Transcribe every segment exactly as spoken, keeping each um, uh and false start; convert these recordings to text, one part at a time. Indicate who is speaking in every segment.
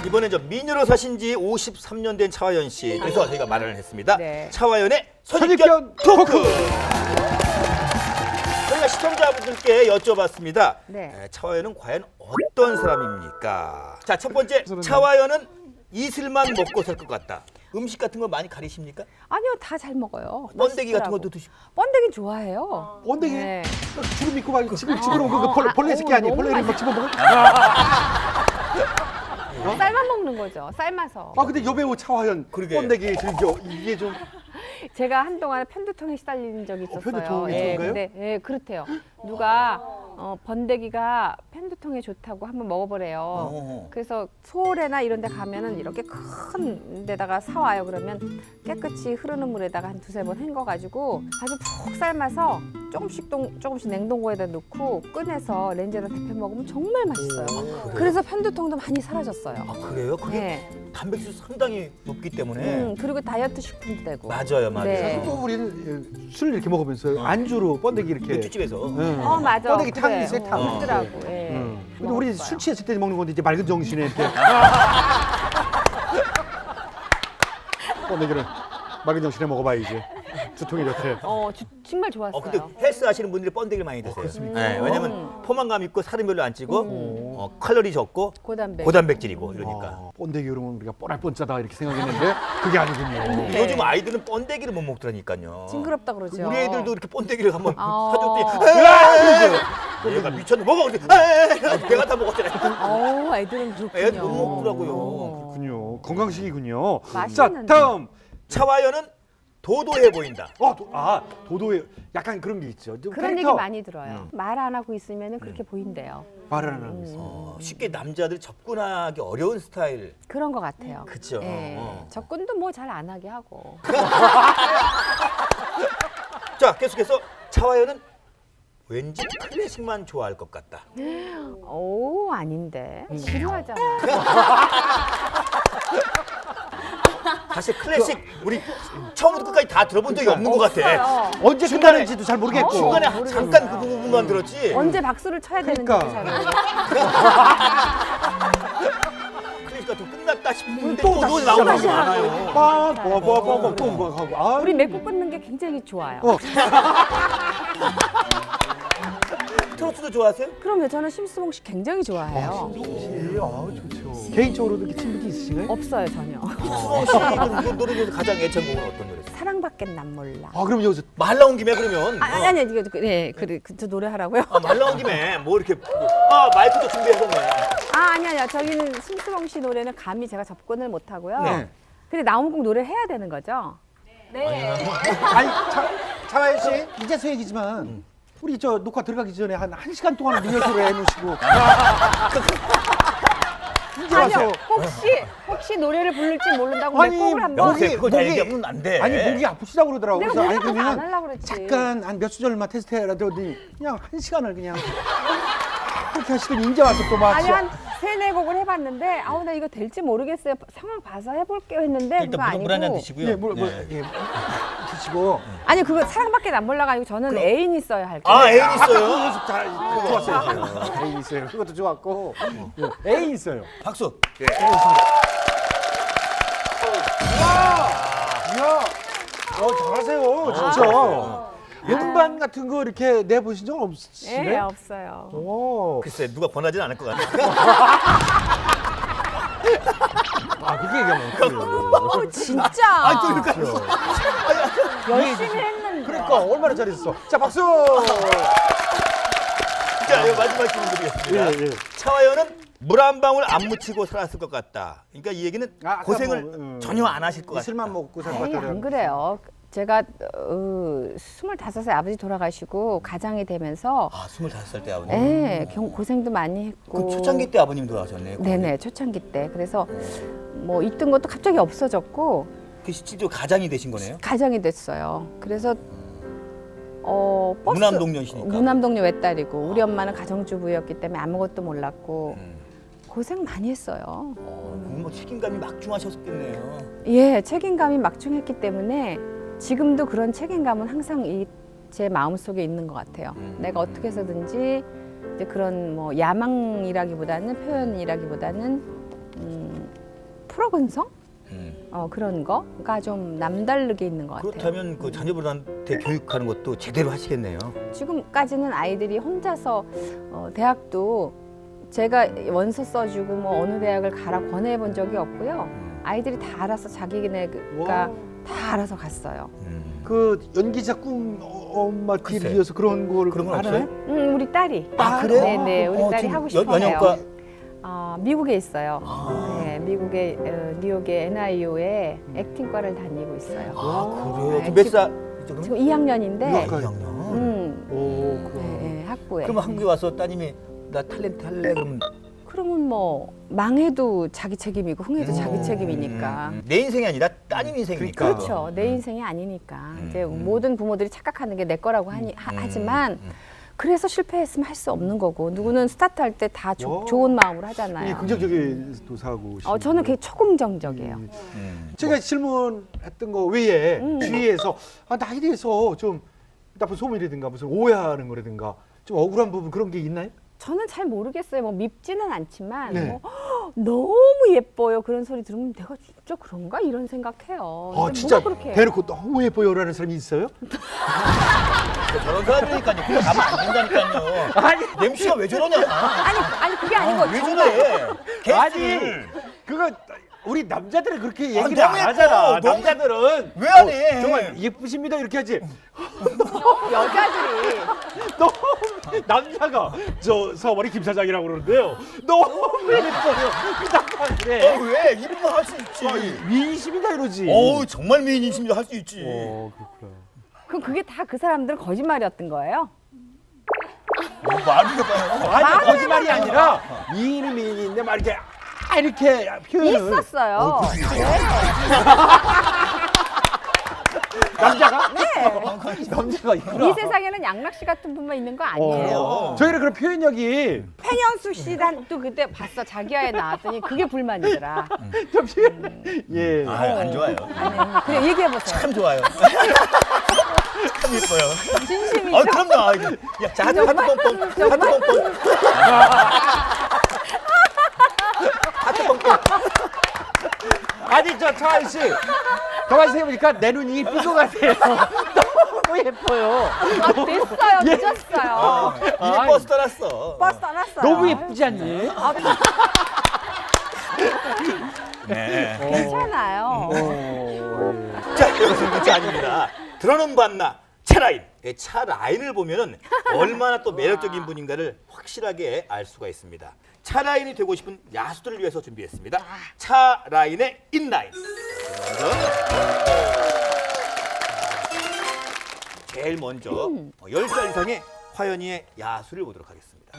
Speaker 1: 이번엔 저 미녀로 사신 지 오십삼 년 된 차화연 씨. 그래서 저희가 마련을 했습니다.
Speaker 2: 네.
Speaker 1: 차화연의 선입견
Speaker 3: 선입견
Speaker 1: 토크.
Speaker 3: 토크.
Speaker 1: 저희가 시청자분들께 여쭤봤습니다.
Speaker 2: 네.
Speaker 1: 에, 차화연은 과연 어떤 사람입니까? 자, 첫 번째, 차화연은 이슬만 먹고 살 것 같다. 음식 같은 거 많이 가리십니까?
Speaker 2: 아니요, 다 잘 먹어요.
Speaker 1: 번데기 같은
Speaker 2: 맛있더라고.
Speaker 1: 것도 드시고.
Speaker 2: 번데기 좋아해요.
Speaker 3: 번데기
Speaker 2: 네.
Speaker 3: 주름 있고 막 지금 지금 그 벌,
Speaker 2: 아,
Speaker 3: 벌레 새끼
Speaker 2: 어우,
Speaker 3: 아니에요?
Speaker 2: 너무
Speaker 3: 벌레를 막 집어먹을?
Speaker 2: 삶아 먹는 거죠. 삶아서.
Speaker 3: 아 근데 여배우 차화연
Speaker 1: 그러게.
Speaker 3: 번데기 즐겨 이게 좀
Speaker 2: 제가 한동안 편두통에 시달린 적이 있었어요.
Speaker 3: 편두통이
Speaker 2: 예,
Speaker 3: 좋은가요?
Speaker 2: 근데 예, 그렇대요. 누가 어, 번데기가 편두통에 좋다고 한번 먹어보래요.
Speaker 1: 어.
Speaker 2: 그래서 서울에나 이런 데 가면은 이렇게 큰 데다가 사와요. 그러면 깨끗이 흐르는 물에다가 한 두세 번 헹궈가지고 아주 푹 삶아서 조금씩 동, 조금씩 냉동고에다 넣고 꺼내서 렌즈에다 데펴 먹으면 정말 맛있어요. 그래서 편두통도 많이 사라졌어요.
Speaker 1: 아, 그래요? 그게
Speaker 2: 네.
Speaker 1: 단백질 상당히 높기 때문에.
Speaker 2: 음, 그리고 다이어트 식품도 되고.
Speaker 1: 맞아요, 맞아요.
Speaker 2: 네.
Speaker 3: 뭐 우리는 예, 술 이렇게 먹으면서 안주로 번데기 이렇게
Speaker 1: 맥주집에서.
Speaker 3: 응.
Speaker 2: 어 맞아.
Speaker 3: 번데기
Speaker 2: 그래.
Speaker 3: 탕이 있어요, 탕.
Speaker 2: 어, 있더라고. 예.
Speaker 3: 응. 근데
Speaker 2: 먹을
Speaker 3: 우리
Speaker 2: 거야.
Speaker 3: 술 취했을 때 먹는 건데 이제 맑은 정신에 이렇게 번데기를 맑은 정신에 먹어봐야지 두통이 좋대.
Speaker 2: 어 주, 정말 좋았어요.
Speaker 1: 어, 근데 헬스 하시는 분들이 번데기를 많이 드세요. 네, 왜냐면 포만감 있고 살은 별로 안 찌고 어, 칼로리 적고
Speaker 2: 고단백.
Speaker 1: 고단백질이고 이러니까.
Speaker 3: 아, 번데기 그러면 우리가 뻔할 뻔짜다 이렇게 생각했는데 그게 아니군요.
Speaker 2: 네.
Speaker 1: 요즘 아이들은 번데기를 못 먹더라니까요.
Speaker 2: 징그럽다 그러죠.
Speaker 1: 우리 애들도 이렇게 번데기를 한번
Speaker 2: 아.
Speaker 1: 사줬더니 얘가 미쳤네 먹어 그랬더니 배가 다 먹었잖아요.
Speaker 2: 어, 애들은 그렇군요.
Speaker 1: 애들 못 먹더라고요.
Speaker 2: 어.
Speaker 3: 그렇군요. 건강식이군요. 자
Speaker 2: 맛있는데.
Speaker 3: 다음.
Speaker 1: 차화연은 도도해 보인다.
Speaker 3: 어, 도, 아 도도의 약간 그런 게 있죠. 좀
Speaker 2: 그런
Speaker 3: 캐릭터.
Speaker 2: 얘기 많이 들어요. 말 안 하고 있으면 그렇게 보인대요.
Speaker 3: 말을 안 하고 있어.
Speaker 1: 어, 쉽게 남자들 접근하기 어려운 스타일.
Speaker 2: 그런 것 같아요.
Speaker 1: 그쵸.
Speaker 2: 예.
Speaker 1: 어.
Speaker 2: 접근도 뭐 잘 안 하게 하고.
Speaker 1: 자, 계속해서 차화연은 왠지 클래식만 좋아할 것 같다.
Speaker 2: 오 아닌데. 지루하잖아.
Speaker 1: 사실 클래식 우리 처음부터 끝까지 다 들어본 적이 없는 것 같아.
Speaker 2: 없어요.
Speaker 3: 언제
Speaker 1: 중간에-
Speaker 3: 끝나는지도 잘 모르겠고.
Speaker 1: 중간에
Speaker 2: 모르겠어요.
Speaker 1: 잠깐 그 부분만 들었지.
Speaker 2: 언제 박수를 쳐야
Speaker 3: 그러니까.
Speaker 2: 되는지 잘 모르겠어요.
Speaker 1: 클래식 같은 거 끝났다 싶은데
Speaker 3: 또
Speaker 1: 또
Speaker 3: 다시
Speaker 1: 노래 나오는 게
Speaker 3: 시작하잖아요.
Speaker 1: 많아요.
Speaker 3: 빠빠빠빠빠 또 하고. 아,
Speaker 2: 우리 맺고 끊는 게 굉장히 좋아요.
Speaker 3: 어.
Speaker 1: 트로트도 좋아하세요?
Speaker 2: 그럼요. 저는 심수봉 씨 굉장히 좋아해요.
Speaker 3: 예, 아, 좋죠. 개인적으로도 이렇게 친분이 있으신가요?
Speaker 2: 없어요 전혀.
Speaker 1: 수봉 씨 그 노래 중에서 가장 애창곡은 어떤 노래세요?
Speaker 2: 사랑밖엔 난 몰라.
Speaker 3: 아, 그럼 여기서
Speaker 1: 말 나온 김에 그러면
Speaker 2: 아, 아니 아니 이거 그, 네, 그래 그저 노래하라고요?
Speaker 1: 어, 말 나온 김에 뭐 이렇게 아 마이크도 준비하셨네.
Speaker 2: 아 아니 아니요. 저기는 심수봉 씨 노래는 감히 제가 접근을 못 하고요.
Speaker 3: 네.
Speaker 2: 근데 나오면 꼭 노래 해야 되는 거죠?
Speaker 3: 아니, 차, 차가연 씨, 이제서 얘기지만 우리 저 녹화 들어가기 전에 한 한 시간 동안 리허설을 해놓으시고 이제 와서
Speaker 2: 아니요. 혹시 혹시 노래를 부를지 모른다고
Speaker 3: 아니,
Speaker 2: 내 곡을 한번
Speaker 1: 영세 그걸 다
Speaker 3: 목이-
Speaker 1: 얘기하면 안 돼.
Speaker 3: 아니 목이 아프시다고 그러더라고.
Speaker 2: 내가
Speaker 3: 그래서 아니
Speaker 2: 목이 아파서 안
Speaker 3: 그러면
Speaker 2: 하려고 그랬지.
Speaker 3: 잠깐 한 몇 수절만 테스트해라도 그냥 한 시간을 그냥 그렇게 하시더니 이제 와서 또 막
Speaker 2: 아니 한 세네 곡을 해봤는데 아우 나 이거 될지 모르겠어요. 상황 봐서 해볼게요 했는데 그거
Speaker 1: 일단 물, 물 한잔
Speaker 2: 아니고
Speaker 1: 드시고요.
Speaker 3: 예, 뭐, 뭐,
Speaker 1: 네.
Speaker 3: 예, 드시고
Speaker 2: 아니 그거 사랑밖에 안 몰라가 아니고 저는 애인 있어야 할 거예요.
Speaker 1: 아 애인
Speaker 3: 그
Speaker 1: 있어요.
Speaker 3: 연습 잘 좋았어요. 애인 있어요. 그것도 좋았고 예, 애인 있어요.
Speaker 1: 박수. 예.
Speaker 3: 이야, 어 잘하세요, 진짜. 음반 같은 거 이렇게 내보신 적 없으시네?
Speaker 2: 예, 없어요.
Speaker 3: 오,
Speaker 1: 글쎄 누가 권하진 않을 것 같아.
Speaker 3: 아 그게 얘기하면 그래요.
Speaker 2: 어, 진짜
Speaker 1: 아 그러니까
Speaker 2: 열심히 했는데.
Speaker 3: 그러니까 얼마나 잘했어. 자 박수.
Speaker 1: 자 이거 마지막 질문 드리겠습니다.
Speaker 3: 예, 예.
Speaker 1: 차화연은 물 한 방울 안 묻히고 살았을 것 같다. 그러니까 이 얘기는
Speaker 3: 아, 아까
Speaker 1: 고생을
Speaker 3: 뭐, 음,
Speaker 1: 전혀 안 하실 것 같다.
Speaker 3: 이슬만 먹고 살 것
Speaker 2: 에이,
Speaker 3: 같다.
Speaker 2: 안 그래요. 제가 어, 스물다섯 살 아버지 돌아가시고 가장이 되면서
Speaker 1: 아 스물다섯 살 때 아버님.
Speaker 2: 예, 경- 고생도 많이 했고.
Speaker 1: 그 초창기 때 아버님 돌아가셨네.
Speaker 2: 네네 초창기 때 그래서 뭐 있던 것도 갑자기 없어졌고
Speaker 1: 그 실제로 가장이 되신 거네요.
Speaker 2: 가장이 됐어요. 그래서 어 버스
Speaker 1: 무남동녀시니까.
Speaker 2: 무남동녀 외딸이고 우리 엄마는 가정주부였기 때문에 아무것도 몰랐고
Speaker 1: 음.
Speaker 2: 고생 많이 했어요.
Speaker 1: 어, 그럼 뭐 책임감이 막중하셨겠네요.
Speaker 2: 예, 책임감이 막중했기 때문에 지금도 그런 책임감은 항상 이 제 마음속에 있는 것 같아요.
Speaker 1: 음.
Speaker 2: 내가 어떻게 해서든지 이제 그런 뭐 야망이라기보다는 표현이라기보다는 음, 프로근성?
Speaker 1: 음.
Speaker 2: 어, 그런 거가 좀 남다르게 있는 것 같아요.
Speaker 1: 그렇다면 그 자녀분한테 교육하는 것도 제대로 하시겠네요.
Speaker 2: 지금까지는 아이들이 혼자서 어, 대학도 제가 원서 써주고 뭐 어느 대학을 가라 권해본 적이 없고요.
Speaker 1: 음.
Speaker 2: 아이들이 다 알아서 자기네가
Speaker 3: 와.
Speaker 2: 다 알아서 갔어요.
Speaker 1: 음.
Speaker 3: 그 연기자 꿈 어, 엄마 뒤를
Speaker 1: 글쎄.
Speaker 3: 이어서 그런 걸
Speaker 1: 그런 건
Speaker 3: 하나요?
Speaker 1: 없어요?
Speaker 2: 음, 우리 딸이.
Speaker 1: 아, 그래요?
Speaker 2: 네네, 우리
Speaker 1: 어,
Speaker 2: 딸이
Speaker 1: 지금
Speaker 2: 하고
Speaker 1: 연-
Speaker 2: 싶어해요.
Speaker 1: 연영과
Speaker 2: 어, 미국에 있어요.
Speaker 1: 아.
Speaker 2: 네, 미국의 어, 뉴욕의 엔아이유에 액팅과를 다니고 있어요.
Speaker 1: 아, 그래요?
Speaker 2: 네,
Speaker 1: 지금 몇
Speaker 2: 지금-
Speaker 1: 살? 지금
Speaker 2: 지금 이 학년인데,
Speaker 3: 유학가-
Speaker 1: 이 학년.
Speaker 2: 음,
Speaker 3: 오, 그럼.
Speaker 2: 네, 네, 학부에.
Speaker 1: 그러면 한국에 와서 따님이 나 탤런트 할래 그러면
Speaker 2: 그러면 뭐 망해도 자기 책임이고 흥해도
Speaker 1: 음.
Speaker 2: 자기 책임이니까.
Speaker 1: 음. 내 인생이 아니라 따님 인생이니까.
Speaker 3: 그러니까.
Speaker 2: 그렇죠. 내 인생이 아니니까.
Speaker 1: 음,
Speaker 2: 이제
Speaker 1: 음.
Speaker 2: 모든 부모들이 착각하는 게 내 거라고 하니, 하,
Speaker 1: 음,
Speaker 2: 하지만
Speaker 1: 음.
Speaker 2: 그래서 실패했으면 할 수 없는 거고 누구는 스타트할 때 다
Speaker 3: 와.
Speaker 2: 좋은 마음으로
Speaker 3: 이
Speaker 2: 하잖아요.
Speaker 3: 긍정적인 도사고.
Speaker 2: 어, 저는 그게 초긍정적이에요.
Speaker 1: 음.
Speaker 3: 제가 질문했던 거 외에
Speaker 2: 음.
Speaker 3: 주위에서 아, 나에 대해서 좀 나쁜 소문이라든가 무슨 오해하는 거라든가 좀 억울한 부분 그런 게 있나요?
Speaker 2: 저는 잘 모르겠어요. 뭐 밉지는 않지만
Speaker 3: 네.
Speaker 2: 뭐, "헉, 너무 예뻐요. 그런 소리 들으면 내가 진짜 그런가 이런 생각해요.
Speaker 3: 아
Speaker 2: 근데
Speaker 3: 진짜
Speaker 2: 뭐가 그렇게
Speaker 3: 대놓고 너무 예뻐요라는 사람이 있어요?
Speaker 1: 저런 사람이니까요. 그냥 가면 안 된다니까요.
Speaker 3: 아니
Speaker 1: 엠씨가 왜 저러냐?
Speaker 2: 아니 아니 그게 아니고
Speaker 1: 왜
Speaker 2: 정말
Speaker 1: 저래?
Speaker 3: 아니
Speaker 1: 개수를.
Speaker 3: 그거 우리 남자들은 그렇게
Speaker 1: 아,
Speaker 3: 얘기를
Speaker 1: 너무
Speaker 3: 안
Speaker 1: 예뻐.
Speaker 3: 하잖아.
Speaker 1: 너무
Speaker 3: 남자들은
Speaker 1: 왜 안 해?
Speaker 3: 어, 정말 예쁘십니다 이렇게 하지.
Speaker 2: 여자들이
Speaker 3: 너무 남자가 저 서머리 김 사장이라고 그러는데요. 너무 예뻐요. 그다음 그래.
Speaker 1: 어, 왜? 이름만 할 수 있지.
Speaker 3: 미인심이다 이러지.
Speaker 1: 어우, 정말 미인이십니다. 할 수 있지.
Speaker 3: 어, 그렇구나.
Speaker 2: 그럼 그게 다 그 사람들 거짓말이었던 거예요?
Speaker 1: 뭐 말이 해봐요.
Speaker 3: 아니 거짓말이 아니라 미인은 미인인데 막 이렇게 아, 이렇게 표현을
Speaker 2: 있었어요. 네.
Speaker 3: 남자가
Speaker 2: 네.
Speaker 3: 남자가 있구나.
Speaker 2: 이 세상에는 양락 씨 같은 분만 있는 거 아니에요.
Speaker 3: 어. 저희는 그런 표현력이
Speaker 2: pen현수 씨도 그때 봤어. 자기야에 나왔더니 그게 불만이더라.
Speaker 3: 잠시 예.
Speaker 1: 아, 안 좋아요.
Speaker 2: 아니, 그래 얘기해 보세요.
Speaker 1: 참 좋아요. 참 예뻐요.
Speaker 2: 진심이죠?
Speaker 1: 아, 그럼요. 아, 이거. 야, 자, 하트
Speaker 2: 정말?
Speaker 1: pompom. 하트
Speaker 2: 정말?
Speaker 1: pompom. 하트 pompom.
Speaker 3: 아니 저 차한 씨 가만히 생각해보니까 내 눈이 이쁜 것 같아요. 너무 예뻐요.
Speaker 2: 아, 됐어요.
Speaker 3: 예.
Speaker 2: 늦었어요.
Speaker 1: 어, 이미 버스 떠났어.
Speaker 2: 버스 떠났어요.
Speaker 3: 너무 예쁘지 않니?
Speaker 2: 아,
Speaker 1: 네.
Speaker 2: 괜찮아요.
Speaker 3: 어,
Speaker 1: 자, 이것은 문제 아닙니다. 들어는 봤나? 차라인. 이 차라인을 보면은 얼마나 또 매력적인 분인가를 확실하게 알 수가 있습니다. 차라인이 되고 싶은 야수들을 위해서 준비했습니다. 차라인의 인라인. 제일 먼저 어, 열 살 이상의 화연이의 야수를 보도록 하겠습니다.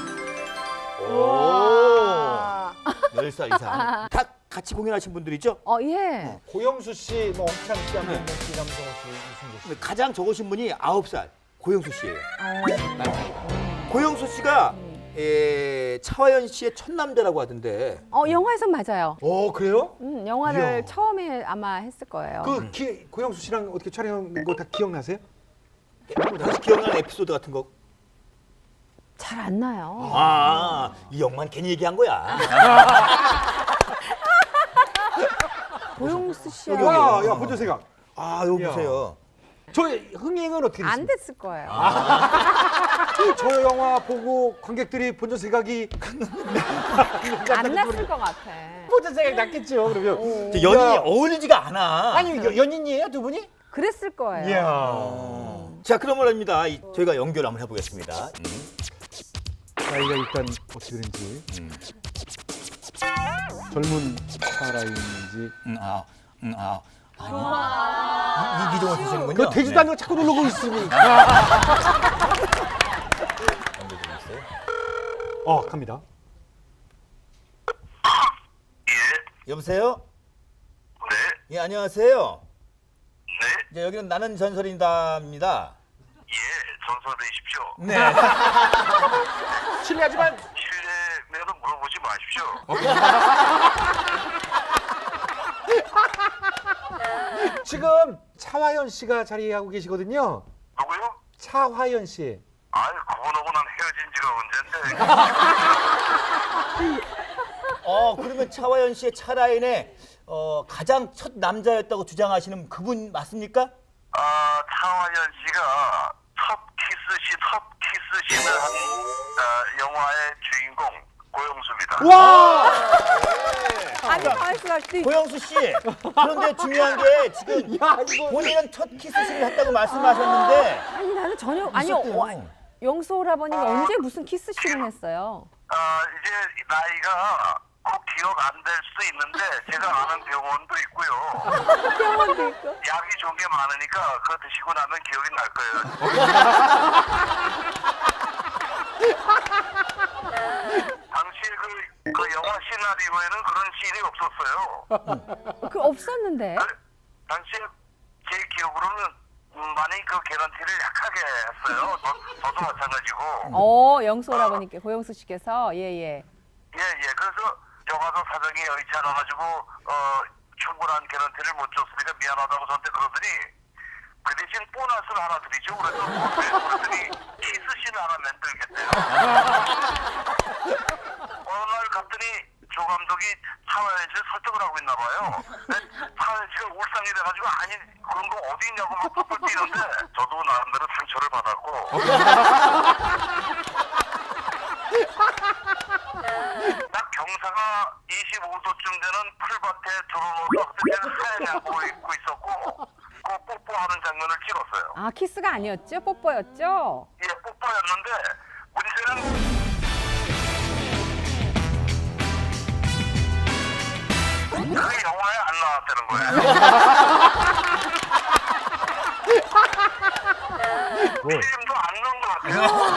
Speaker 1: 오, 열 살 이상. 다 같이 공연하신 분들이죠?
Speaker 2: 어, 예.
Speaker 3: 고영수 씨, 뭐 엄찬 씨,
Speaker 1: 네.
Speaker 3: 안동건 씨, 남성호 씨, 이승재 씨.
Speaker 1: 근데 가장 적으신 분이 아홉 살 고영수 씨예요.
Speaker 2: 어,
Speaker 1: 고영수 씨가 에, 차화연 씨의 첫 남자라고 하던데.
Speaker 2: 어, 영화에서 맞아요.
Speaker 3: 어 그래요?
Speaker 2: 음, 영화를
Speaker 3: 이야.
Speaker 2: 처음에 아마 했을 거예요.
Speaker 3: 그 기, 고영수 씨랑 어떻게 촬영한 거 다 기억나세요?
Speaker 1: 혹시 기억나는 에피소드 같은 거?
Speaker 2: 잘 안 나요.
Speaker 1: 아, 이 영만 괜히 얘기한 거야.
Speaker 2: 고용수 씨야.
Speaker 1: 여기,
Speaker 3: 와,
Speaker 1: 여기.
Speaker 3: 야 본전 생각.
Speaker 1: 아, 여기
Speaker 3: 야.
Speaker 1: 보세요.
Speaker 3: 저 흥행은 어떻게
Speaker 2: 안
Speaker 3: 됐습니까?
Speaker 2: 됐을 거예요.
Speaker 3: 저 영화 보고 관객들이 본전 생각이
Speaker 2: 안 났을 것 같아.
Speaker 3: 본전 생각 났겠죠. 그러면
Speaker 1: 저 연인이
Speaker 3: 야.
Speaker 1: 어울리지가 않아.
Speaker 3: 아니 여- 연인이에요 두 분이?
Speaker 2: 그랬을 거예요.
Speaker 3: 이야.
Speaker 1: 어. 자, 그러면 합니다. 이- 저희가 연결 한번 해보겠습니다. 음.
Speaker 3: 나이가 일단 어떻게 되는지
Speaker 1: 음.
Speaker 3: 젊은 살아있는지.
Speaker 1: 음, 아, 음, 아. 아니. 이, 이기종을 쓰시는군요.
Speaker 3: 그 되지도
Speaker 1: 네.
Speaker 3: 않는 거 자꾸 누르고 있으니까.
Speaker 1: 연결 좀 있어요.
Speaker 3: 어 갑니다.
Speaker 1: 여보세요?
Speaker 4: 네,
Speaker 1: 예, 안녕하세요.
Speaker 4: 네,
Speaker 1: 이제 여기는 나는 전설인다입니다.
Speaker 4: 예, 전설이십시오.
Speaker 1: 네.
Speaker 3: 실례하지만
Speaker 4: 실례면 물어보지 마십시오.
Speaker 3: 지금 차화연 씨가 자리하고 계시거든요.
Speaker 4: 누구요?
Speaker 3: 차화연 씨.
Speaker 4: 아이, 그분하고 난 헤어진 지가 언젠데.
Speaker 1: 어, 어, 그러면 차화연 씨의 차라인의 어, 가장 첫 남자였다고 주장하시는 그분 맞습니까?
Speaker 4: 아, 차화연 씨가 첫 키스시, 첫 키스신을 한 어, 영화의 주인공 고영수입니다.
Speaker 3: 와!
Speaker 2: 아니 가만 있어.
Speaker 1: 고영수 씨, 그런데 중요한 게 지금
Speaker 3: 야, 이거
Speaker 1: 본인은 첫 키스신을 했다고 말씀하셨는데
Speaker 2: 아니 나는 전혀 아니
Speaker 1: 있었대요.
Speaker 2: 어, 영수 오라버니가 언제 무슨 키스씬을 했어요?
Speaker 4: 아, 이제 나이가 꼭 기억 안 될 수도 있는데 제가 아는 병원도 있고요.
Speaker 2: 병원도 있고.
Speaker 4: 약이 좋은 게 많으니까 그거 드시고 나면 기억이 날 거예요. 당시에 그, 그 영화 시나리오에는 그런 씬이 없었어요.
Speaker 2: 그 없었는데.
Speaker 4: 그, 당시에 제 기억으로는 음, 많이 그 개런티를 약하게 했어요. 저, 저도 마찬가지고.
Speaker 2: 어 영수 오라버니께 고영수 씨께서 예예.
Speaker 4: 예, 예. 그래서 영화도 사정이 여의치 않아가지고 어, 충분한 개런티를 못 줬으니까 미안하다고 저한테 그러더니 그 대신 보너스를 하나 드리죠. 그래서 뭐, 그러더니 키스씬 하나 만들겠대요. 어느 날 갔더니 조 감독이 차화연 씨를 설득을 하고 있나 봐요. 근데 차화연 씨가 울상이 돼가지고 아니 그런 거 어디 있냐고 막 펄펄 뛰는데 저도 나름대로 상처를 받았고 딱 경사가 이십오 도쯤 되는 풀밭에 들어놓아서 그때는 하얀 양복을 입고 있었고 그 뽀뽀하는 장면을 찍었어요.
Speaker 2: 아 키스가 아니었죠? 뽀뽀였죠?
Speaker 4: 예, 뽀뽀였는데 문제는 그 영화에 안 나왔다는 거예요. 필름도 안 넣은 것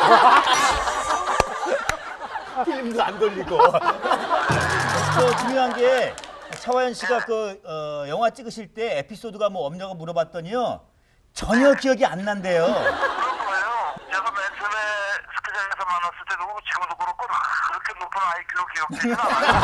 Speaker 4: 같아요.
Speaker 1: 필름도 안 돌리고. 또 중요한 게 차화연 씨가 그 어, 영화 찍으실 때 에피소드가 뭐 없냐고 물어봤더니요 전혀 기억이 안 난대요.
Speaker 4: 그런 거예요. 제가 맨 처음에 스키장에서 만났을 때도 지금도 그렇고 그렇게 높은 아이큐로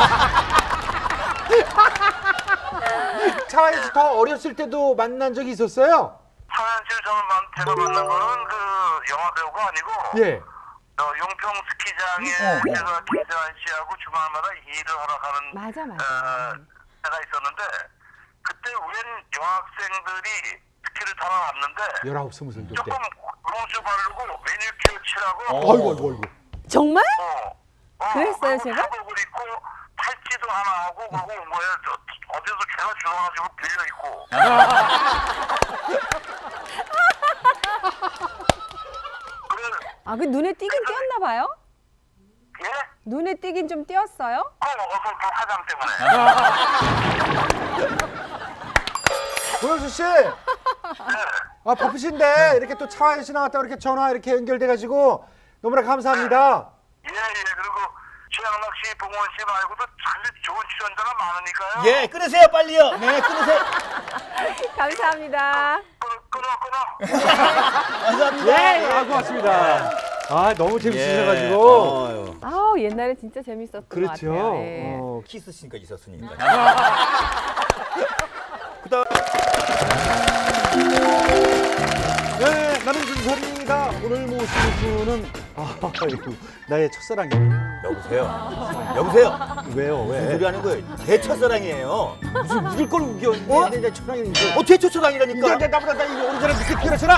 Speaker 4: 기억되지는 않아요.
Speaker 3: 차화연 씨 더 어렸을 때도 만난 적이 있었어요?
Speaker 4: 차화연 씨를 저는 만, 제가 만난 거는 그 영화 배우가 아니고
Speaker 3: 예.
Speaker 4: 어, 용평 스키장에
Speaker 1: 어, 어.
Speaker 4: 제가 김세환 씨하고 주말마다 일을 하러 가는
Speaker 2: 맞아 맞아.
Speaker 4: 어, 때가 있었는데 그때 웬 여학생들이 스키를 타러 왔는데
Speaker 3: 열아홉 스무 살 때.
Speaker 4: 조금 롱수 바르고 매니큐어 칠하고
Speaker 1: 어.
Speaker 3: 아이고 아이고 아이고.
Speaker 2: 정말?
Speaker 4: 어, 어,
Speaker 2: 그랬어요,
Speaker 4: 그리고
Speaker 2: 제가?
Speaker 4: 사복을 입고 팔찌도 하나 하고 그리고 뭐야 저, 어디서 제가 주워가지고 빌려 입고 그래
Speaker 2: 아 그 눈에 띄긴 띄었나 봐요?
Speaker 4: 예?
Speaker 2: 눈에 띄긴 좀 띄었어요?
Speaker 4: 어, 어서 그 화장 때문에
Speaker 3: 고영수 씨.
Speaker 4: 네.
Speaker 3: 아 바쁘신데 이렇게 또 차화연 씨 나왔다 이렇게 전화 이렇게 연결돼가지고 너무나 감사합니다.
Speaker 4: 예, 예. 그리고 최양락 씨, 봉원 씨 말고도 사실 좋은 출연자가 많으니까요.
Speaker 1: 예, 끊으세요 빨리요. 네, 끊으세요.
Speaker 2: 감사합니다.
Speaker 4: 끊어, 끊어, 끊어.
Speaker 1: 감사합니다.
Speaker 3: 예, 아 고맙습니다. 아 너무
Speaker 1: 예.
Speaker 3: 재밌으셔가지고.
Speaker 1: 어휴.
Speaker 2: 아우 옛날에 진짜 재밌었던 것
Speaker 3: 그렇죠.
Speaker 2: 같아요. 예.
Speaker 3: 어,
Speaker 1: 키스씬까 있었으니까.
Speaker 3: 아.
Speaker 1: 그다음
Speaker 3: 네, 나는 준설입니다. 오늘 모시는 분은 아, 아이고, 나의 첫사랑이에요.
Speaker 1: 여보세요. 여보세요.
Speaker 3: 왜요?
Speaker 1: 무슨
Speaker 3: 왜?
Speaker 1: 소리 하는 거예요? 제 첫사랑이에요.
Speaker 3: 무슨 묻을 걸 우겨?
Speaker 1: 어?
Speaker 3: 내, 내 첫사랑인데.
Speaker 1: 어, 제 첫사랑이라니까.
Speaker 3: 이제 내 나보다 나 이거 오른손에 늦게 피어났잖아.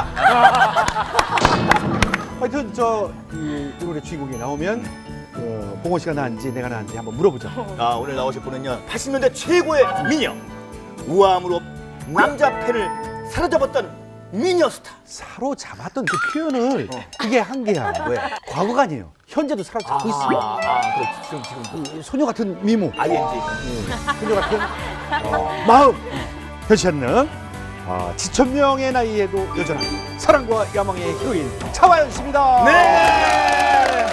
Speaker 3: 하여튼 저이 오늘의 주인공이 나오면 어, 봉원 씨가 나은지 내가 나은지 한번 물어보자.
Speaker 1: 아, 오늘 나오실 분은요. 팔십 년대 최고의 미녀. 우아함으로 남자 팬을 사로잡았던 미녀 스타.
Speaker 3: 사로잡았던 그 표현을 그게 한계야.
Speaker 1: 왜?
Speaker 3: 과거가 아니에요. 현재도 사로잡고 있어.
Speaker 1: 아, 아, 그렇지. 지금 지금
Speaker 3: 이 소녀 같은 미모,
Speaker 1: 아이엔지.
Speaker 3: 소녀 같은 어, 마음, 변치 않는 아, 지천명의 나이에도 여전한 사랑과 야망의 히로인 차화연 씨입니다.
Speaker 1: 네.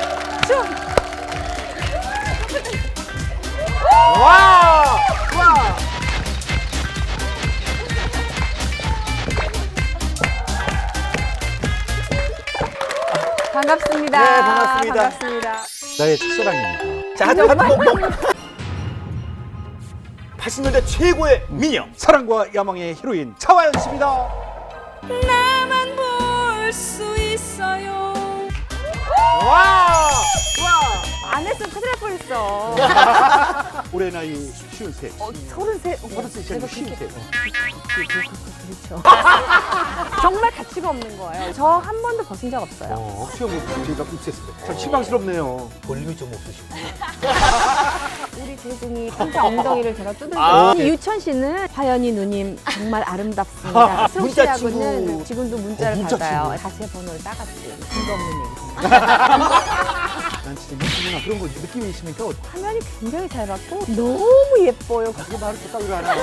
Speaker 3: 와! 와!
Speaker 2: 반갑습니다.
Speaker 1: 네, 반갑습니다.
Speaker 2: 반갑습니다.
Speaker 3: 나의 첫사랑입니다.
Speaker 1: 자, 하트 하트 뭐, 뭐. 팔십 년대 최고의 미녀.
Speaker 3: 사랑과 야망의 히로인 차화연 씨입니다.
Speaker 2: 나만 볼 수 있어요.
Speaker 3: 와! 와!
Speaker 2: 안 했으면 큰일 날 뻔했어.
Speaker 3: 올해 나이 쉰셋.
Speaker 2: 어, 서른세.
Speaker 3: 서른셋 시작이 쉰셋.
Speaker 2: 그렇죠. 정말 가치가 없는 거예요. 저 한 번도 벗은 적 없어요.
Speaker 3: 어, 시험 제가 입수했습니다. 참 실망스럽네요.
Speaker 1: 볼륨이 좀 없으시고.
Speaker 2: 우리 재중이 진짜 엉덩이를 제가 두들겨.
Speaker 1: 아,
Speaker 2: 네. 유천 씨는 화연이 누님 정말 아름답습니다. 수록
Speaker 1: 문자
Speaker 2: 씨하고는
Speaker 1: 친구.
Speaker 2: 지금도 문자를
Speaker 3: 어, 문자
Speaker 2: 받아요.
Speaker 3: 친구.
Speaker 2: 다시 번호를 따갔지. 근거 없는 얘기.
Speaker 3: 난 진짜 유치나 그런 거 느낌이 있으니까 어떡해.
Speaker 2: 화면이 굉장히 잘 받고 너무 예뻐요.
Speaker 3: 그게 말을 또 따위로 하나.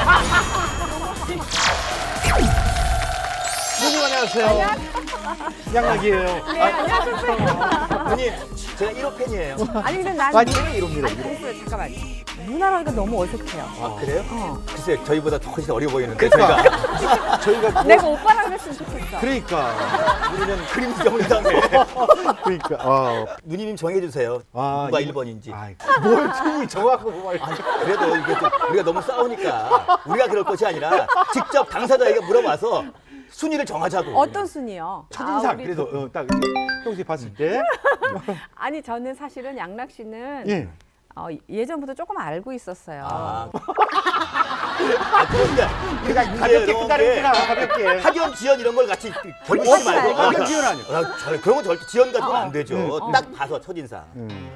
Speaker 3: 누구 안녕하세요. 양락이에요.
Speaker 2: 네, 안녕하세요.
Speaker 1: 누님, 제가 일 호 팬이에요.
Speaker 2: 아니 근데 난
Speaker 3: 아니 제가 이럽니다.
Speaker 2: 아니 그랬어요. 잠깐만. 누나라니까 너무 어색해요.
Speaker 1: 아, 그래요?
Speaker 2: 어.
Speaker 1: 글쎄, 저희보다 더 훨씬 어려 보이는데,
Speaker 3: 그러니까
Speaker 1: 저희가.
Speaker 3: 저희가 뭐-
Speaker 2: 내가 오빠랑 그랬으면 좋겠어.
Speaker 3: 그러니까
Speaker 1: 우리는 그림 정리당해.
Speaker 3: 그러니까 아,
Speaker 1: 누님 정해주세요.
Speaker 3: 아,
Speaker 1: 누가
Speaker 3: 이거-
Speaker 1: 일 번인지.
Speaker 3: 아이, 뭘 팀이 정하고 뭐
Speaker 1: 아니, 그래도 이게 좀 우리가 너무 싸우니까 우리가 그럴 것이 아니라 직접 당사자에게 물어봐서 순위를 정하자고.
Speaker 2: 어떤 순이요?
Speaker 3: 첫인상
Speaker 2: 아, 우리
Speaker 3: 그래도 어, 딱 평소에 봤을 때
Speaker 2: 아니 저는 사실은 양락 씨는
Speaker 3: 예.
Speaker 2: 어, 예전부터 조금 알고 있었어요.
Speaker 1: 아, 아 그런데
Speaker 3: 그러니까
Speaker 1: 이게
Speaker 3: 가볍게
Speaker 1: 이런
Speaker 3: 끝나는구나
Speaker 1: 게
Speaker 3: 가볍게.
Speaker 1: 학연 지연 이런 걸 같이 결부시지
Speaker 2: 없어요.
Speaker 1: 말고.
Speaker 3: 학연 지연 아니에요.
Speaker 1: 아, 잘- 그런 건 절대 지연 가지고는 안 되죠.
Speaker 3: 음.
Speaker 1: 딱 봐서 첫인상.
Speaker 3: 음.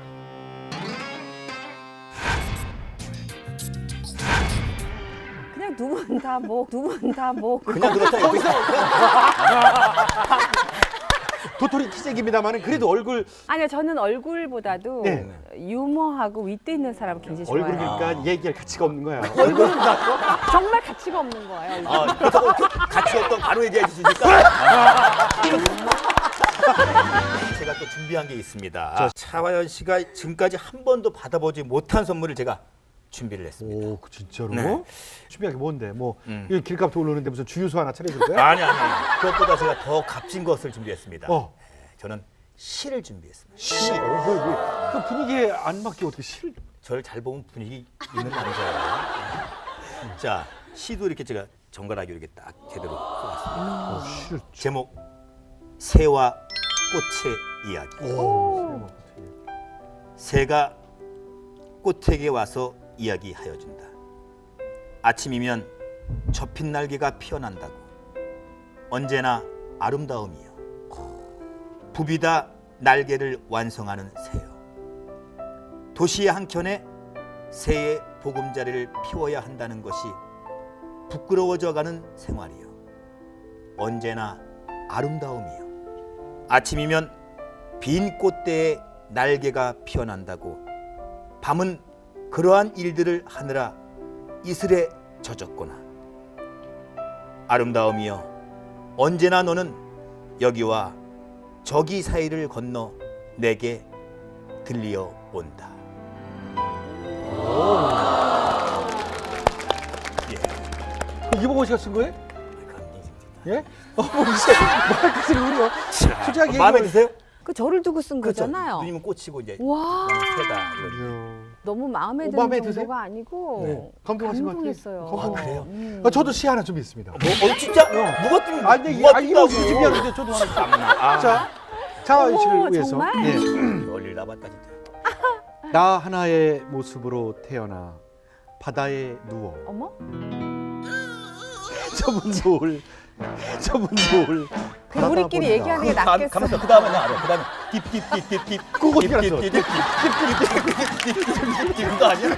Speaker 2: 그냥 두 분 다 뭐, 두 분 다 뭐.
Speaker 1: 그냥 그렇다. 거기서
Speaker 3: 도토리 키재기입니다만은 그래도 얼굴
Speaker 2: 아니요, 저는 얼굴보다도
Speaker 3: 네.
Speaker 2: 유머하고 윗대 있는 사람을 굉장히 좋아해요.
Speaker 3: 얼굴이니까 얘기할 가치가 없는 거야.
Speaker 2: 얼굴은 정말 가치가 없는 거예요.
Speaker 1: 아, 그렇다고 같이 없던 바로 얘기해 주시니까. 제가 또 준비한 게 있습니다. 차화연 씨가 지금까지 한 번도 받아보지 못한 선물을 제가 준비를 했습니다.
Speaker 3: 오, 그 진짜로?
Speaker 1: 네.
Speaker 3: 준비한 게 뭔데? 뭐
Speaker 1: 음.
Speaker 3: 이 길값도 오르는데 무슨 주유소 하나 차려줄 거야?
Speaker 1: 아니 아니 아니. 그것보다 제가 더 값진 것을 준비했습니다.
Speaker 3: 어.
Speaker 1: 네, 저는 시를 준비했습니다.
Speaker 3: 시. 어, 뭐, 뭐, 그 분위기에 안 맞게 어떻게 실?
Speaker 1: 저를 잘 보면 분위기 있는 남자예요. 자, 시도 이렇게 제가 정갈하게 이렇게 딱 제대로 써봤습니다.
Speaker 3: 어, 실.
Speaker 1: 제목 새와 꽃의 이야기.
Speaker 3: 오.
Speaker 1: 새가 꽃에게 와서 이야기하여 준다. 아침이면 접힌 날개가 피어난다고. 언제나 아름다움이여. 부비다 날개를 완성하는 새여. 도시의 한켠에 새의 보금자리를 피워야 한다는 것이 부끄러워져가는 생활이여. 언제나 아름다움이여. 아침이면 빈 꽃대에 날개가 피어난다고. 밤은 그러한 일들을 하느라 이슬에 젖었구나. 아름다움이여, 언제나 너는 여기와 저기 사이를 건너 내게 들리어 온다. 예.
Speaker 3: 이봉원 씨가 쓴 거예요?
Speaker 1: 감동입니다.
Speaker 3: 예? 어, 뭐 이제 말끝을 우리요. 솔직하게
Speaker 1: 마음에
Speaker 3: 얘기하면-
Speaker 1: 드세요?
Speaker 2: 그 저를 두고 쓴
Speaker 1: 그렇죠.
Speaker 2: 거잖아요.
Speaker 1: 누님은 꽃이고 이제
Speaker 2: 와,
Speaker 1: 나는 새다. 이런.
Speaker 3: 이야.
Speaker 2: 너무 마음에
Speaker 3: 어,
Speaker 2: 드는
Speaker 3: 마음에
Speaker 2: 정도가
Speaker 3: 드세요?
Speaker 2: 아니고
Speaker 3: 네. 감동하신 것 같아요.
Speaker 2: 감동했어요.
Speaker 3: 감동.
Speaker 1: 아, 그래요?
Speaker 2: 음.
Speaker 3: 아, 저도 시 하나 준비했습니다.
Speaker 1: 뭐, 어, 진짜? 누가 뜨면
Speaker 3: 아니, 근데
Speaker 1: 누가
Speaker 3: 아, 이봉원 씨
Speaker 1: 뜬다고.
Speaker 3: 준비하는데 저도 하나.
Speaker 1: 아,
Speaker 3: 자, 차화연 씨를
Speaker 2: 어머,
Speaker 3: 위해서.
Speaker 2: 정말?
Speaker 3: 예.
Speaker 1: 멀리 나봤다 진짜.
Speaker 3: 나 하나의 모습으로 태어나 바다에 누워
Speaker 2: 어머?
Speaker 3: 저문 노을 저문 노을
Speaker 2: 그 우리끼리 얘기하는 게 낫겠어.
Speaker 1: 가면서 그 다음에 나 알아. 그 다음에 딥딥딥딥딥.
Speaker 3: 그거 어떻게 알았어?
Speaker 1: 딥딥딥딥딥딥딥 그거 아니야?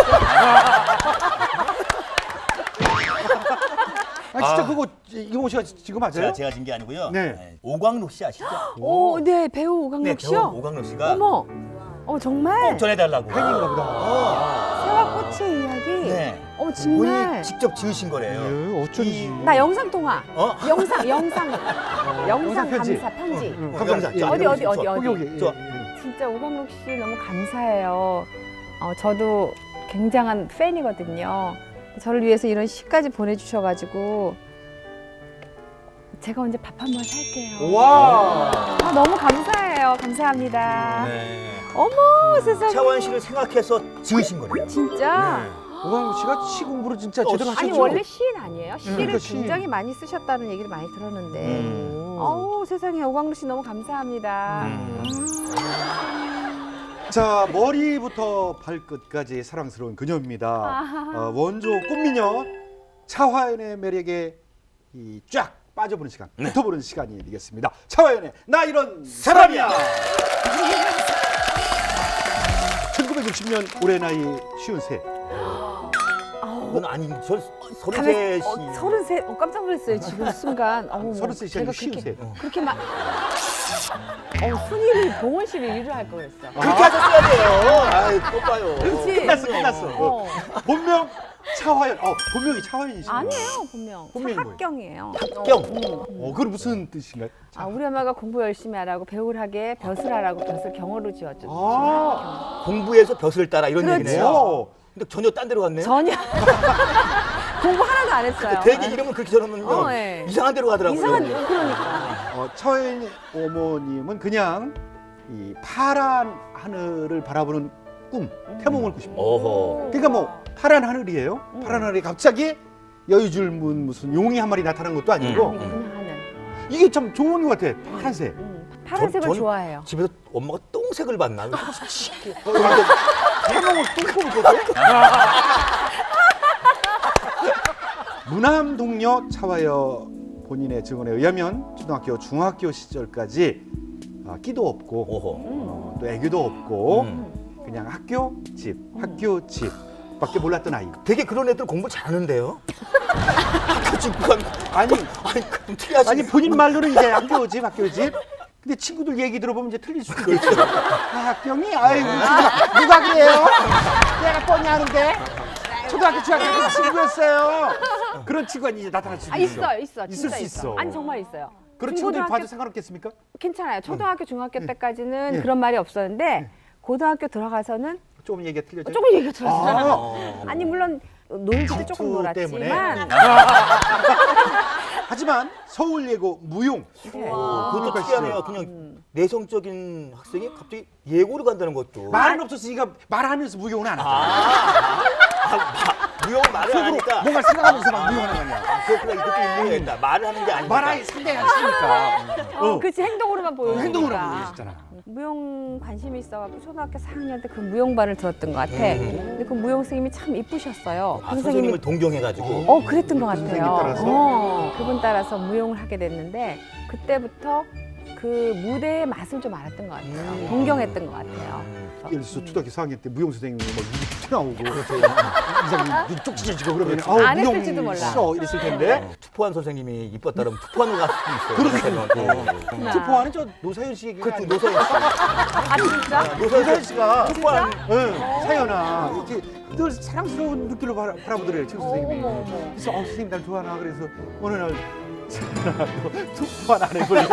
Speaker 3: 아 진짜
Speaker 1: 아.
Speaker 3: 그거 이봉원 씨가 지금 맞아요?
Speaker 1: 제가 제가 진 게 아니고요.
Speaker 3: 네.
Speaker 1: 네. 오광록 씨 아시죠?
Speaker 2: 오, 네, 배우
Speaker 1: 네,
Speaker 2: 오강록
Speaker 1: 배우
Speaker 2: 씨요?
Speaker 1: 오광록 씨가
Speaker 2: 어머, 어 정말?
Speaker 1: 꼭 전해달라고.
Speaker 3: 팬인가 보다.
Speaker 1: 어.
Speaker 2: 새와 꽃의 이야기?
Speaker 1: 네.
Speaker 2: 어,
Speaker 1: 본인이
Speaker 2: 정말?
Speaker 1: 직접 지으신 거래요.
Speaker 3: 예, 어쩐지.
Speaker 2: 나 영상 통화.
Speaker 1: 어?
Speaker 2: 영상, 영상. 영상
Speaker 3: 영상 편지.
Speaker 2: 감사 편지.
Speaker 3: 응,
Speaker 1: 어,
Speaker 3: 감사합니다.
Speaker 1: 영상.
Speaker 3: 예,
Speaker 2: 어디,
Speaker 3: 예,
Speaker 2: 어디, 어디,
Speaker 1: 좋아.
Speaker 2: 어디.
Speaker 3: 여기 여기.
Speaker 1: 좋아.
Speaker 3: 예, 예.
Speaker 2: 진짜 오강록 씨 너무 감사해요. 어, 저도 굉장한 팬이거든요. 저를 위해서 이런 시까지 보내주셔가지고 제가 언제 밥 한 번 살게요.
Speaker 3: 와.
Speaker 2: 아, 너무 감사해요. 감사합니다.
Speaker 1: 네.
Speaker 2: 어머, 세상에.
Speaker 1: 차원 씨를 생각해서 지으신 거래요.
Speaker 2: 진짜?
Speaker 1: 네.
Speaker 3: 오광록 씨가 시 공부를 진짜
Speaker 1: 어,
Speaker 3: 제대로 하셨죠?
Speaker 2: 아니 원래 시인 아니에요? 시를
Speaker 3: 그러니까 시.
Speaker 2: 굉장히 많이 쓰셨다는 얘기를 많이 들었는데
Speaker 1: 음.
Speaker 2: 어우 세상에 오광록 씨 너무 감사합니다.
Speaker 1: 음.
Speaker 3: 자, 머리부터 발끝까지 사랑스러운 그녀입니다. 어, 원조 꽃미녀 차화연의 매력에 이 쫙 빠져보는 시간, 붙어보는 시간이 되겠습니다. 차화연의 나 이런 사람이야. 천구백육십 년 올해 나이 쉰세.
Speaker 1: 그건 아니, 저 서른
Speaker 2: 가만-
Speaker 1: 셋이.
Speaker 2: 어, 서른셋. 어, 깜짝 놀랐어요 지금 순간. 어머,
Speaker 3: 서른셋이
Speaker 2: 제가
Speaker 3: 아니고
Speaker 2: 그렇게
Speaker 3: 쉰세.
Speaker 2: 그렇게 막. 어, 순위를 봉원 씨를 위로 할 거였어.
Speaker 1: 그렇게 하셨어야 돼요. 아이, 또 봐요.
Speaker 2: 그치?
Speaker 3: 끝났어, 끝났어.
Speaker 2: 어.
Speaker 3: 본명 차화연. 어, 본명이 차화연이시죠?
Speaker 2: 아니에요 본명.
Speaker 3: 본명이 뭐예요?
Speaker 2: 합경이에요.
Speaker 1: 경.
Speaker 3: 어, 그건 무슨 뜻인가요?
Speaker 2: 아, 우리 엄마가 공부 열심히 하라고 배울 하게 벼슬 하라고 벼슬 경어로 지어줬죠.
Speaker 3: 아,
Speaker 1: 공부해서 벼슬을 따라 이런
Speaker 2: 그렇죠.
Speaker 1: 얘기네요.
Speaker 3: 오.
Speaker 1: 근데 전혀 딴 데로 갔네요.
Speaker 2: 전혀 공부 하나도 안 했어요.
Speaker 1: 대개 이름을 그렇게 적으면요.
Speaker 2: 어, 예.
Speaker 1: 이상한 데로 가더라고요.
Speaker 2: 이상한 그러니까.
Speaker 3: 어, 차화연 어머님은 그냥 이 파란 하늘을 바라보는 꿈, 태몽을 꾸십니다.
Speaker 1: 어허.
Speaker 3: 그러니까 뭐 파란 하늘이에요. 파란 하늘에 갑자기 여유줄문 무슨 용이 한 마리 나타난 것도 아니고
Speaker 1: 음.
Speaker 2: 그냥 하늘.
Speaker 3: 이게 참 좋은 것 같아. 파란색.
Speaker 2: 음, 파란색을
Speaker 1: 전- 전-
Speaker 2: 좋아해요.
Speaker 1: 집에서 엄마가 똥색을 봤나?
Speaker 3: 태몽을 뚱뚱 거든. 무남 동료 차화여 본인의 증언에 의하면 초등학교, 중학교 시절까지 아, 끼도 없고
Speaker 1: 오호.
Speaker 3: 어, 또 애교도 없고
Speaker 1: 음.
Speaker 3: 그냥 학교, 집, 학교, 집 밖에 몰랐던 아이.
Speaker 1: 되게 그런 애들 공부 잘하는데요. 학교 친구가
Speaker 3: 아니,
Speaker 1: 아니 그럼 특이하시.
Speaker 3: 아니 본인 말로는 이제 학교, 집, 학교, 집. 근데 친구들 얘기 들어보면 이제 틀릴 수도 있겠죠. 아, 학경이? 아이고, 누가, 누가 그래요? 내가 뻔히 아는데. 초등학교, 중학교 친구였어요. 그런 친구가 이제 나타날 수
Speaker 2: 아
Speaker 3: 있어.
Speaker 2: 있어 있어
Speaker 3: 있을
Speaker 2: 진짜
Speaker 3: 수 있어.
Speaker 2: 아니 정말 있어요.
Speaker 3: 그런 친구들
Speaker 2: 중고등학교-
Speaker 3: 봐도 상관없겠습니까?
Speaker 2: 괜찮아요. 초등학교 중학교 때까지는
Speaker 3: 예.
Speaker 2: 그런 말이 없었는데 고등학교 들어가서는
Speaker 3: 조금 얘기가 틀려져.
Speaker 2: 조금 얘기가 들었어요.
Speaker 3: 아,
Speaker 1: 어.
Speaker 2: 아니 물론 놀기도 조금
Speaker 3: 질투 때문에?
Speaker 2: 놀았지만
Speaker 3: 하지만 서울예고 무용.
Speaker 2: 네.
Speaker 1: 어, 그것도
Speaker 3: 그러니까
Speaker 1: 특이하네요. 그냥 내성적인 학생이 갑자기 예고를 간다는 것도.
Speaker 3: 말은 없었으니까 말하면서 무용은 안 하죠.
Speaker 1: 아, 아, 마- 무용 말을 안
Speaker 3: 속으로
Speaker 1: 하니까.
Speaker 3: 뭔가 생각하면서 막 무용하는 거 아니야.
Speaker 1: 아, 그렇구나. 이것도 일리가 있다. 말을 하는 게 아니니까.
Speaker 3: 말하기 상당히 안 쓰니까.
Speaker 2: 어, 그치 행동으로만 보여주니까.
Speaker 3: 행동으로 보여줬잖아.
Speaker 2: 무용 관심이 있어갖고 초등학교 사 학년 때 그 무용반을 들었던 것 같아. 근데 그 무용 선생님이 참 이쁘셨어요.
Speaker 1: 아,
Speaker 2: 그
Speaker 1: 선생님을 동경해가지고.
Speaker 2: 어 그랬던 것 같아요.
Speaker 3: 선생님 따라서?
Speaker 2: 어, 그분 따라서 무용을 하게 됐는데 그때부터 그 무대의 맛을 좀 알았던 것 같아요.
Speaker 1: 음.
Speaker 2: 동경했던 것 같아요.
Speaker 3: 예를 들어서 초등학교 사 학년 때 무용 선생님이 막 눈이 튀어나오고 이상이 눈 쪽 찢어지고 그러면 아우
Speaker 2: 안
Speaker 3: 무용
Speaker 2: 했을지도 몰라.
Speaker 3: 싫어 이랬을 텐데
Speaker 1: 어, 투포한 선생님이 이뻤다 그러면 투포한으로 갈 수도 있어요. 그렇죠.
Speaker 3: 투포하는 저 노사연 씨 얘기
Speaker 1: 그렇죠.
Speaker 3: 아니에요?
Speaker 1: 노사연 씨.
Speaker 2: 아 진짜?
Speaker 3: 노사연 씨가
Speaker 1: 투포한.
Speaker 3: 응, 사연아 이렇게 늘 사랑스러운 눈길로 바라, 바라보더래요 최 선생님이.
Speaker 2: 어머, 어머.
Speaker 3: 그래서 어, 선생님 날 좋아하나 그래서 어느 날 사연아 너 투포 하나 안 해볼래?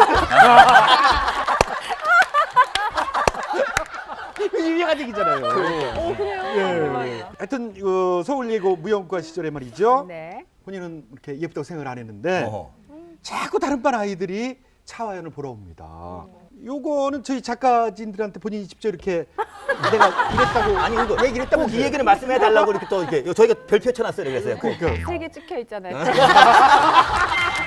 Speaker 3: 유명한 얘기잖아요.
Speaker 2: 어 그래요.
Speaker 3: 예. 하여튼 어, 서울예고 무용과 시절에 말이죠.
Speaker 2: 네.
Speaker 3: 본인은 이렇게 예쁘다고 생각을 안 했는데
Speaker 1: 어허.
Speaker 3: 자꾸 다른 반 아이들이 차화연을 보러 옵니다. 요거는 저희 작가진들한테 본인이 직접 이렇게 내가 이랬다고
Speaker 1: 아니 이거
Speaker 3: 얘기를 했다고
Speaker 1: 꼭 이 얘기를 말씀해 달라고 이렇게 또 이렇게 저희가 별표 쳐놨어요. 그래서요. 꼭.
Speaker 3: 그러니까
Speaker 2: 세 개 찍혀 있잖아요.